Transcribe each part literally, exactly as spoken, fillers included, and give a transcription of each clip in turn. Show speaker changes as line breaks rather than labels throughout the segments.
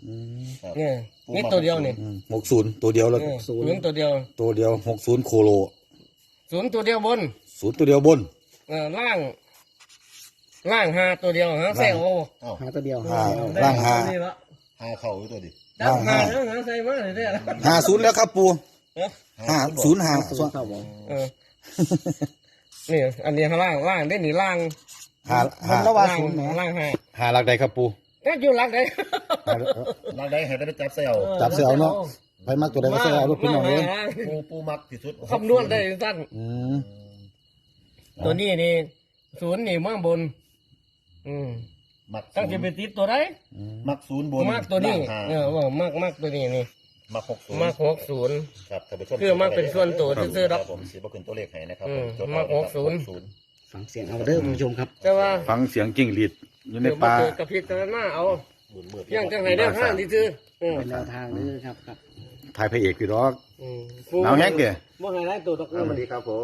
เนี่ยนี่ตัวเดียวนี่
หกศูนย์ตัวเดียวแล้ว
ศูนย์ตัวเดียว
ตัวเดียวหกศูนย์โคโล
ศูนย์ตัวเดียวบน
ศูนย์ตัวเดียวบน
เออล่างล่างห้าตัวเดียวหางแซว
หาตัวเดียว
ล่างห้า
ห้าเข่าตัวดิ
ล่างห้าแล้วหางใส่มาเลยเนี่ย
ห้าศูนย์แล้วครับปูห้าศูนย์ห้า
ศูนย์เข้าบ่
เออนี่อันนี้ข้างล่างล่างได้หนีล่าง
ห้าห้า
ล่างล่างห้า
ห้าหลักใดครับปู
แค่อยู่หลักใด
หลักใดให้ได้จับเซล
จับเซลเนาะไปมักตัวใดก็เซลลูกพี่น้องเลย
ปูปูมักที่สุด
คำนวณได้สั้นตัวนี้นี่ศูนย์นี่มั่งบนอืม
มัก
ตั้งจะไปติดตัวไหน
มักศูนย์บน
มักตัวนี้เออว่ามักมักตัวนี้นี่
มักหกศูนย์
มักหกศูนย์
ครับท่านผู้ชม
คือมักเป็นส่วนตัวซื่อๆครับ
ผมสีบ่ขึ้นตัวเลขให้นะครับ
มักหกศูนย์
ฟังเสียงเอาเด้อคุณผู้ชมครับ
แต่ว่า
ฟังเสียงจิ้งหรีดอยู่ในป่าก
ระพริบตาหน้าเอาอย่างจังไหนได้ห้างที่ซื้อ
เป็นแนวทางเด้อครับครับ
ถ่ายพระเอกพี่ดอกหนาวแห้งเด้อ
บ่ให้ได้ตัวดอก
สวัสดีครับผม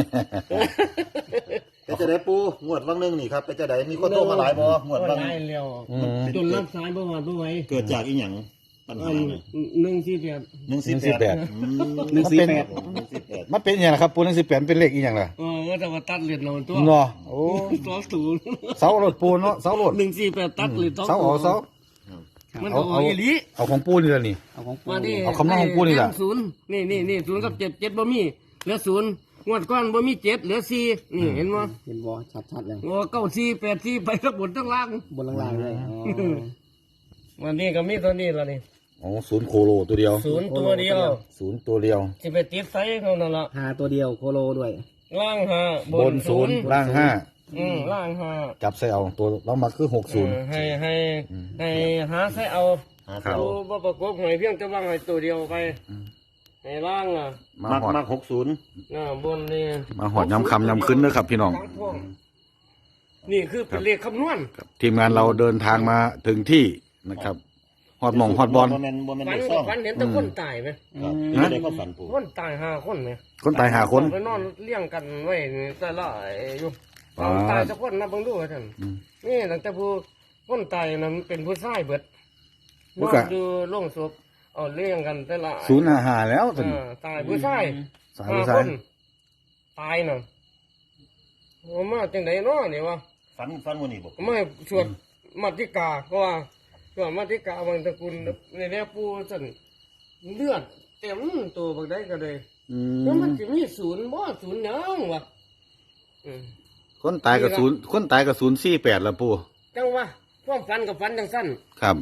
เป็นจะได้ปูงวดวังนึงนี่ครับเป็นจะได้มีคนโทรมาหลายบ่งวดวัง
ได้เร็วจนรับสายบ่หวานบ่ไหว
เกิดจากอีหยังปัญหา
หนึ่งสี่แปด
หนึ่งสี่แปด
หนึ่งสี่แปด
มันเป็นอย่างไรครับปูหนึ่งสี่แปดเป็นเลขอีอย่างไร
เออก็จะมาตัดเหรียญเราตัว
เนาะโอ้
สองศูนย์
เสาโรดปูเนาะเสาโรด
หนึ่งสี่แปดตัดเหรียญ
เสาเอาเสา
มันเอาเอาอี
เอาของปูนี่แหละนี่
เอาของปู
เอาคำนั้นของปูนี่แหละ
ศูนย์นี่นี่นี่ศูนย์กับเจ็ดเจ็ดบ่มีเหลือศูนย์งวดก้อนบ่มีเจ็ดเหลือสี่นี่เห็นบ่
เห็นบ่ชัดๆเลย
โอ้เก้าสี่แปดสี่ไปทั้งบนทั้งล่าง
บนล่างเลย
วันนี้ก็มีตัวนี้แล้วนี่
อ๋อศูนย์โคโลตัวเดียว
ศูนย์ตัวเดียว
ศูนย์ตัวเดียว
จะไปติดไฟเขานั่นละ
หาตัวเดียวโคโลด้วย
ล่างห้า
บนศูนย์ล่างห้า
อืมล่างห้า
จับใส่เอาตัวเรามาคือหกศูนย์
ให้ให้ให้หาใส่เอาตัวบ่ประกบหอยเพียงจะวางให้ตัวเดียวไปในล่างอ่ะ
มักมักหกศูนย์
น่ะบนนี่
มาหอดย้ำคำย้ำขึ้นนะครับพี่น้อง
นี่คือเป็นเลขคำนวณ
ทีมงานเราเดินทางมาถึงที่นะครับฮอดหม่องฮอดบอล
ฝันฝันเห็นแต่คนตายไหม
นะได้ก็ฝันปู
คนตายห้าคนไหม
คนตายห้าคน
ไปนอนเลี้ยงกันไว้แต่ละอยู่ตายสักคนนับบังดูท่านนี่ตั้งแต่ผู้คนตายนั้นเป็นผู้ชายเบิดนอนดูโล่งศพเอาเลี้ยงกันแต่ละ
ศูนย์ห้าห้าแล้ว
ตายผู้ชายห้าคนตายน่ะมาจังไหนเนาะนี่วะ
ฝันฝันวันนี้บอก
ไม่สวดมัติกาเพราะว่าสวดมัติกาบางตระกูลในแนวปูสันเลือดเต็มตัวบางได้ก็เลยแล้วมันจะมีศูนย์บ่ศูนย์น้องวะ
คนตายกับศูนย์คนตายกับศูนย์สี่แปดแล้วปู
จังวะความฝันกับฝันจังสั้น
ครับ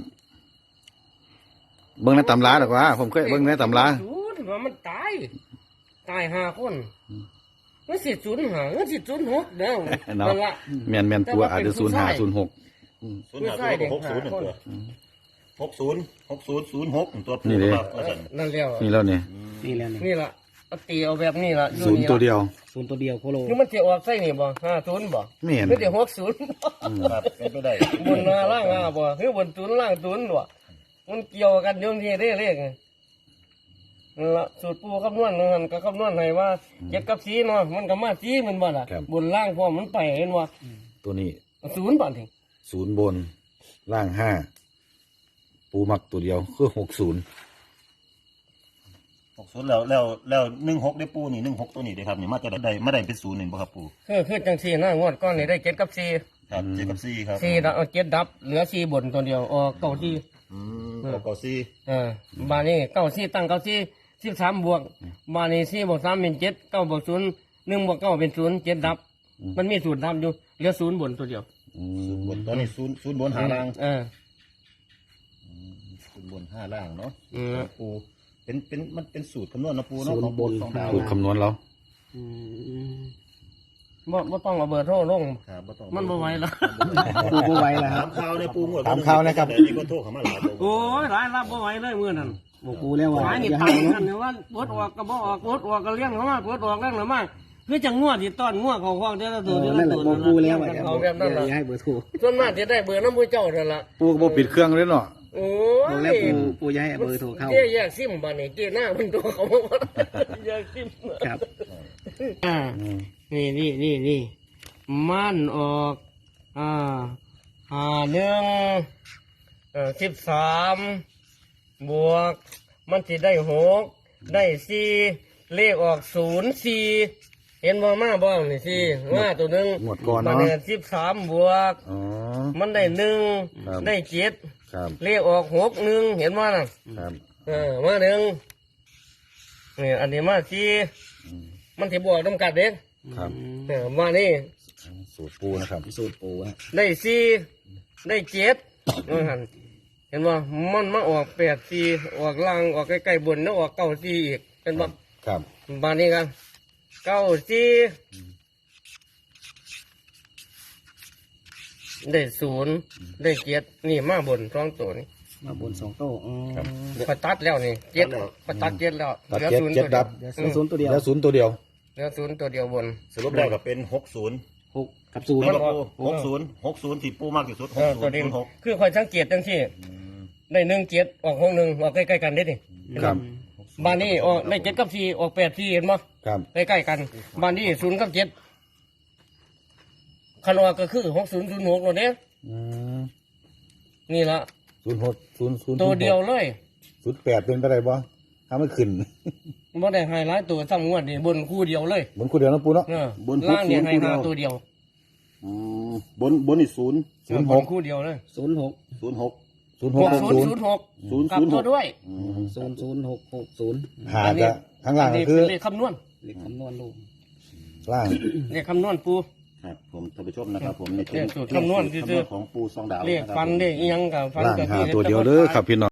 เบิ้งในตำราหรอกวะผมเคยเบิ้งในตำรา
ศูนย์ว่ามันตายตายห้าคนมันสิศูนย์ห้ามันสิศูนย์หกเด้อนั่นละ
แมนแมนตัวอาจจะศูนย์ห้าศูนย์หก
ศูนย์ห้าศูนย์หกศูนย์ตัวหกศูนย์หกศูนย์ศูนย์หกตัว
นี่เลย
นั่นแล้ว
นี่แล้วเนี่ย
นี่แล้ว
นี่ละตีเอาแบบนี้ละ
ศูนย์ตัวเดียว
ศูนย์ตัวเดียวโคโล
นี่มันจะออกใส่นี่บ่ห้าศูนย์บ่
ไม่เห็น
ไม่ได้หกศูนย์
ครับเป็นไปได้
บนล่างห้าบ่คือบนศูนย์ล่างศูนย์บ่มันเกี่ยวกันโยมที่ได้เลขนั่นละสูตรปูคำนวณนั่นก็คำนวณให้ว่าเจ็ดกับสีเนาะมันก็มาสีมันบ่ล่ะบนล่างพอมันไปเห็นว่า
ตัวนี้
ศูนย์บ่ถึง
ศูนย์บนล่างห้าปูมักตัวเดียวคือหกศูนย์
หกศูนย์แล้วแล้วแล้วหนึ่งหกได้ปูนี่หนึ่งหกตัวนี้ได้ครับนี่มาจะได้ไม่ได้เป็นศูนย์หนึ่งป่ะครับปู
คือคือจังสี่นะงวดก้อนนี่ได้เจ็ดกับสี่
ครับเจ็ดกับสี่ครับ
สี่เอาเจ็ดดับเหลือสี่บนตัวเดียวออกเก้าสี่
อืมเก้าสี่
เออบานี้เก้าสี่ตั้งเก้าสี่สิบสามบวกบานี้สี่บวกสามเป็นเจ็ดเก้าบวกศูนย์หนึ่งบวกเก้าเป็นศูนย์เจ็ดดับมันมีศูนย์ดับอยู่เหลือศูนย์บนตัวเดียว
ศูนย์บนตอนนี้ศูนย์ศูนย์บนหาล่าง
เออ
ศูนย์บนห้าล่างเนาะปูเป็นเป็นมันเป็นสูตรคำนวณนะปูเนาะของบนของดาว
สูตรคำนวณแล้ว
บ่บ่ต้องเอาเบอร์โทรลงมันบ่ไหวแล้ว
ปูบ่ไหวแล้ว
ถามข่าวในปูหมด
ถามข่าวนะครับ
มีคนโทรเข้ามาหลาย
โอ้ยหลายรับบ่ไหวเลยมื้อนั้น
บอกปูแล้วว่า
หลายนี่ตายกันเนี่ยว่าปวดออกก็บ่ออกปวดออกก็เลี้ยงเขามาปวดออกเลี้ยงเขามาคือจังงัวที่ต้อนงัวเขาคล้องเด้อตัวเด้อตัว
บอกปูแล้วว่า
เอาแบบนั้นล่ะ
ให้เบอร์โทร
ส่วนมากจะได้เบอร์น้ำผู้เจ้านั่นล่ะ
ปูก็บ่ปิดเครื่องเลยเนาะ
โอ้
ยแล้วปูปูย้ายเบอร์โทรเข้า
เจ๊แยกซิมบ้านนี่เจ๊หน้ามันตัวเขาบอกแยกซิม
ครับ
อ่านี่นี่นี่นี่มันออกอ่าหาหนึ่งเออสิบสามบวก มันสิได้หกได้สี่เลขออกศูนย์สี่เห็นบ่มาบ้างนี่สี่มาตัวหนึ่ง
หมดก่อน
มา
เนาะ
เนี่ยสิบสามบวก
อ๋อ
มันได้หนึ่ง
ครับ
ได้เจ็ด
ครับ
เลขออกหกหนึ่งเห็นว่าน่ะ
ครับ
เออมาหนึ่งนี่อันนี้มาสี่
อืม
มันสิบวกต้องกัดเด็ก
ครับ
เออมานี่
สูตรปูนะครับ
สูตรปูฮะ
ได้สี่ได้เจ็ดว่าหั่นเห็นว่ามันมาออกแปดสี่ออกล่างออกใกล้ๆบนแล้วออกเก้าสี่อีกเป็นว่า
ครับ
บานนี้กันเก้าสี่ได้ศูนย์ได้เจ็ดนี่มาบนสองตัวนี่
มาบนสองโต๊ะอืม
พอตัดแล้วนี่เจ็ดพอตัดเจ็ดแล้ว
ตัด
เหลือ
เจ็ด
ศูนย์
เจ็
ตั
ด
วเดี
ดั
ยว
บ
เดี๋ยวศูนย์ตัวเดียว
แล้วศูนย์ตัวเดียว
เหลือศูนย์ตัวเดียวบน
สรุปแล้วก็เป็นหกศูนย์
หกกับศูนย์
แม่น
มั
บ่
น
ปูหกศูนย์หกศูนย์ที่ปูมากที่สุดห
เอก อ
ศู
ตัวน
ย์
เด่น
ศูนย์หก
คือคอยสังเกตจังที่ได้หนึ่งเจ็ดออกหกหนึ่งออกใกล้ๆกันได้ดิ
ครับ
บ้านนี้ออกได้เจ็ดกับสี่ออกแปดสี่เห็นมั้ย
ครับ
ใกล้ๆกันบ้านนี้ศูนย์กับเจ็ดคันออกก็คือหกศูนย์ศูนย์หกตัวเนี้ย
อืม
นี่ละ
ศูนย์หกศูนย์ศูนย์
ตัวเดียวเลย
ศูนย์แปดเป็นไปได้บ่ถ้าไม่ขึ้น
ไม่ได้ไฮไลท์ตัวซ้ำงวดนี่บนคู่เดียวเลย
เหมือนคู่เดียวนะปูเนาะ
เออล่างเนี่ยไฮไลท์ตัวเดียว
อืมบนบนนี่ศูนย์
ศูนย์ห
บ
ก
นคู่เดียวเลย
ศูนย์หก
ศูนย์หก
ศูนย์ห
ห
ก
ก
หก
ศูน
ศู
ย์
นย์
ศูนย์หก
ศูนย์
กลับ
ศูนย์ห
ตัว
ก
ด้วย
อืม
ศูนย์ศูนย์หกหกศูนย์
หาจะข้างล่างก็คือ
เป็นเลขคำนวณ
เลขคำนวณลูก
ล่าง
เลขคำนวณปู
ครับผมท่านผู้ชมนะครับผมนี่เป็น
เนี่ยสูตรคำนวณ
สูตร
ซื่อๆ
คำนวณของปูซองดาว
เลข
นะครับ
ฟัน
ผม
เลขอิหยังกับฟัน
ล่าง
กับ
หาตัวเดียวเด้อครับพี่น้อง